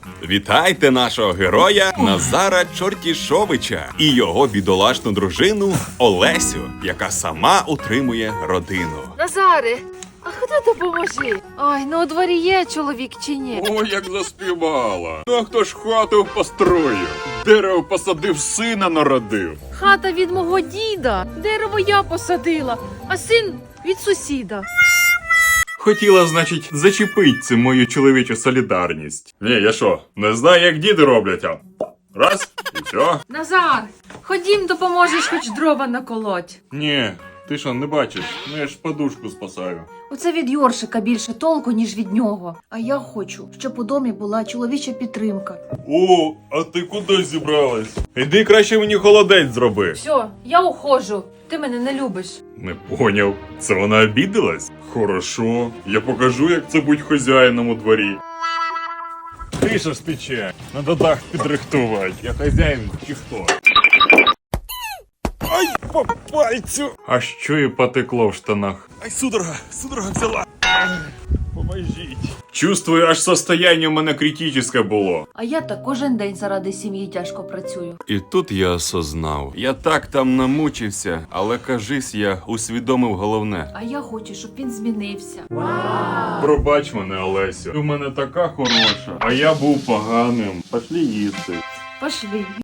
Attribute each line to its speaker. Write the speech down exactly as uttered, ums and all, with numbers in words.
Speaker 1: Вітайте нашого героя Назара Чортішовича і його бідолашну дружину Олесю, яка сама утримує родину.
Speaker 2: Назаре, а ходи допоможи. Ой, ну у дворі є чоловік чи ні?
Speaker 3: О, як заспівала. Ну а хто ж хату построїв? Дерево посадив, сина народив.
Speaker 2: Хата від мого діда, дерево я посадила, а син від сусіда.
Speaker 3: Хотіла, значить, зачепить цим мою чоловічу солідарність. Ні, я що, не знаю, як діди роблять, а раз, і все.
Speaker 2: Назар, ходім, допоможеш хоч дрова наколоть.
Speaker 3: Ні, ти що, не бачиш? Ну я ж подушку спасаю.
Speaker 4: Оце від Йоршика більше толку, ніж від нього. А я хочу, щоб у домі була чоловіча підтримка.
Speaker 3: О, а ти куди зібралась? Іди краще мені холодець зроби.
Speaker 2: Все, я ухожу, ти мене не любиш.
Speaker 3: Не поняв. Це вона обідалась? Хорошо. Я покажу, як це бути хазяїном у дворі. Тиша ж тече. Надо дах підрихтувати. Я хазяїн чи хто? Ай, по пальцю! А що і потекло в штанах? Ай, судорога, судорога взяла. Поможіть. Чувствую, аж состояние у мене критичне було.
Speaker 4: А я так кожен день заради сім'ї тяжко працюю.
Speaker 1: І тут я осознав. Я так там намучився, але кажись, я усвідомив головне.
Speaker 4: А я хочу, щоб він змінився.
Speaker 3: Пробач мене, Олесю. Ти в мене така хороша, а я був поганим. Пошлі їсти.
Speaker 4: Пошли.